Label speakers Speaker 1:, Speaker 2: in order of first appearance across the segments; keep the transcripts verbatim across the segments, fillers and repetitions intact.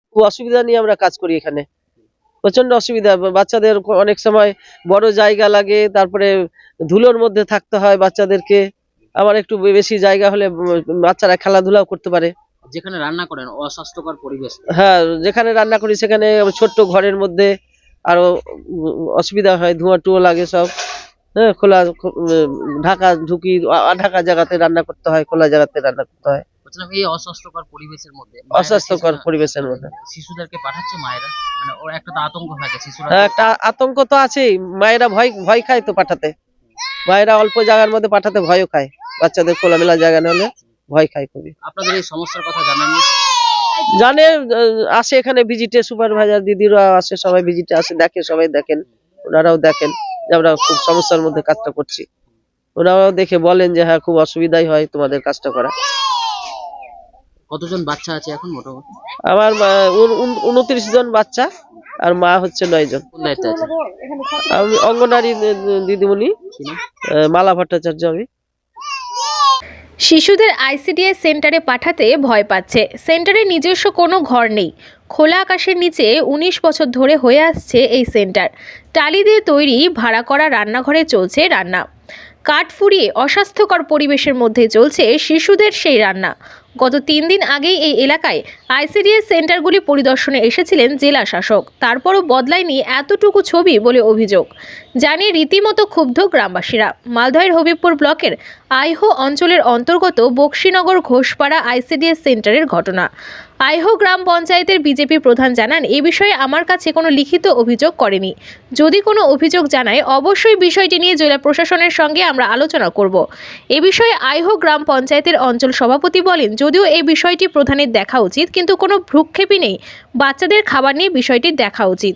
Speaker 1: খুব অসুবিধা নিয়ে আমরা কাজ করি এখানে, প্রচন্ড অসুবিধা। বাচ্চাদের অনেক সময় বড় জায়গা লাগে, তারপরে ধুলোর মধ্যে থাকতে হয় বাচ্চাদেরকে। আবার একটু বেশি জায়গা হলে বাচ্চারা খেলাধুলাও করতে পারে।
Speaker 2: যেখানে রান্না করেন অস্বাস্থ্যকর পরিবেশ।
Speaker 1: হ্যাঁ, যেখানে রান্না করি সেখানে ছোট্ট ঘরের মধ্যে আরো অসুবিধা হয়, ধোঁয়া টুয়া লাগে সব। হ্যাঁ, খোলা ঢাকা ঢুকি ঢাকা জায়গাতে রান্না করতে হয়, খোলা জায়গাতে রান্না করতে হয়।
Speaker 2: এই অস্বাস্থ্যকর পরিবেশের মধ্যে
Speaker 1: অস্বাস্থ্যকর পরিবেশের মধ্যে
Speaker 2: শিশুদেরকে পাঠাচ্ছে মায়েরা, মানে ওর একটা তো আতঙ্ক থাকে শিশুরা।
Speaker 1: হ্যাঁ, একটা আতঙ্ক তো আছেই, মায়েরা ভয় ভয় খায় তো পাঠাতে। মায়েরা অল্প জায়গার মধ্যে পাঠাতে ভয়ও খায়, বাচ্চাদের খোলামেলা জায়গা হলে ভয় খায় খুবই।
Speaker 2: আপনাদের এই সমস্যার কথা জানেন?
Speaker 1: জানে, আসে এখানে ভিজিটে, সুপারভাইজার দিদিরা আসে, সবাই ভিজিটে আসে, দেখে, সবাই দেখেন, ওনারাও দেখেন যে আমরা খুব সমস্যার মধ্যে কাজটা করছি। ওনারাও দেখে বলেন যে হ্যাঁ, খুব অসুবিধাই হয় তোমাদের কাজটা করা।
Speaker 2: কতজন বাচ্চা আছে এখন মোটামুটি?
Speaker 1: আমার উনত্রিশ জন বাচ্চা, আর মা হচ্ছে নয় জন।
Speaker 2: কোন দায়িত্বে আছে?
Speaker 1: আমি অঙ্গনারী দিদিমণি মালা ভট্টাচার্য। আমি
Speaker 3: শিশুদের আইসিডিএস সেন্টারে পাঠাতে ভয় পাচ্ছে। সেন্টারে নিজস্ব কোনো ঘর নেই। খোলা আকাশের নিচে উনিশ বছর ধরে হয়ে আসছে এই সেন্টার। টালি দিয়ে তৈরি ভাড়া করা রান্নাঘরে চলছে রান্না। কাঠ ফুরিয়ে অস্বাস্থ্যকর পরিবেশের মধ্যে চলছে শিশুদের সেই রান্না। গত তিন দিন আগেই এই এলাকায় আইসিডিএস সেন্টারগুলি পরিদর্শনে এসেছিলেন জেলা শাসক, তারপরও বদলায়নি এতটুকু ছবি বলে অভিযোগ। জানিয়ে রীতিমতো ক্ষুব্ধ গ্রামবাসীরা। মালদহের হবিবপুর ব্লকের আইহো অঞ্চলের অন্তর্গত বক্সিনগর ঘোষপাড়া আইসিডিএস সেন্টারের ঘটনা। আইহো গ্রাম পঞ্চায়েতের বিজেপি প্রধান জানান, এ বিষয়ে আমার কাছে কোনো লিখিত অভিযোগ করেনি। যদি কোনো অভিযোগ জানায় অবশ্যই বিষয়টি নিয়ে জেলা প্রশাসনের সঙ্গে আমরা আলোচনা করব। এ বিষয়ে আইহো গ্রাম পঞ্চায়েতের অঞ্চল সভাপতি বলেন, যদিও এই বিষয়টি প্রধানের দেখা উচিত, কিন্তু কোনো ভ্রুক্ষেপই নেই। বাচ্চাদের খাবার নিয়ে বিষয়টি দেখা উচিত।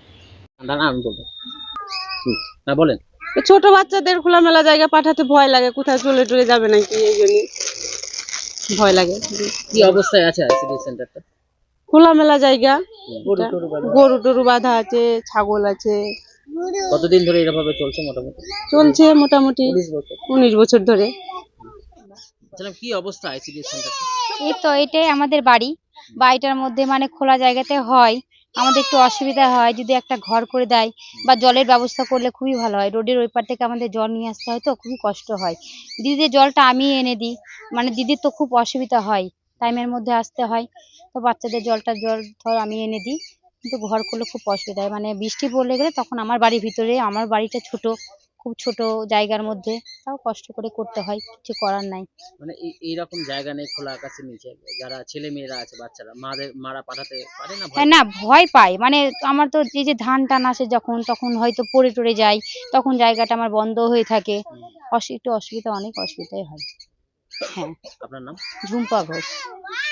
Speaker 2: বলেন,
Speaker 4: ছোট বাচ্চাদের খোলামেলা জায়গা পাঠাতে ভয় লাগে, কোথায় চলে টলে যাবে নাকি, এই জন্য ভয় লাগে।
Speaker 2: কি অবস্থায় আছে আইসিডিএস সেন্টারটা?
Speaker 4: খোলামেলা জায়গা, গরু টরু বাঁধা আছে, ছাগল আছে।
Speaker 2: কতদিন ধরে এভাবে চলছে? মোটামুটি
Speaker 4: চলছে মোটামুটি উনিশ বছর ধরে।
Speaker 2: কি অবস্থা আইসিডিএস সেন্টারটা?
Speaker 5: এই তো এটাই আমাদের বাড়ি। বাড়িটার মধ্যে মানে খোলা জায়গাতে হয়, আমাদের একটু অসুবিধা হয়। যদি একটা ঘর করে দেয় বা জলের ব্যবস্থা করলে খুবই ভালো হয়। রোডের ওই পার থেকে আমাদের জল নিয়ে আসতে হয়, তো খুবই কষ্ট হয়। দিদিদের জলটা আমি এনে দিই, মানে দিদির তো খুব অসুবিধা হয়, টাইমের মধ্যে আসতে হয়, তো বাচ্চাদের জলটা জল ধর আমি এনে দিই। কিন্তু ঘর করলে খুব অসুবিধা হয়, মানে বৃষ্টি পড়লে গেলে তখন আমার বাড়ির ভিতরে, আমার বাড়িটা ছোট, খুব ছোট জায়গার মধ্যে, তাও কষ্ট করে করতে হয়, কিছু করার নাই।
Speaker 2: মানে এইরকম জায়গা নেই খোলা আকাশের নিচে, যারা ছেলে মেয়েরা আছে, বাচ্চারা, মাদের মারা পাঠাতে পারে না?
Speaker 5: হ্যাঁ, না ভয় পায়। মানে আমার তো এই যে ধান টান আসে যখন, তখন হয়তো পড়ে টরে যায়, তখন জায়গাটা আমার বন্ধ হয়ে থাকে, একটু অসুবিধা, অনেক অসুবিধাই হয়। হ্যাঁ।
Speaker 2: আপনার নাম?
Speaker 5: ঝুম্পা ঘোষ।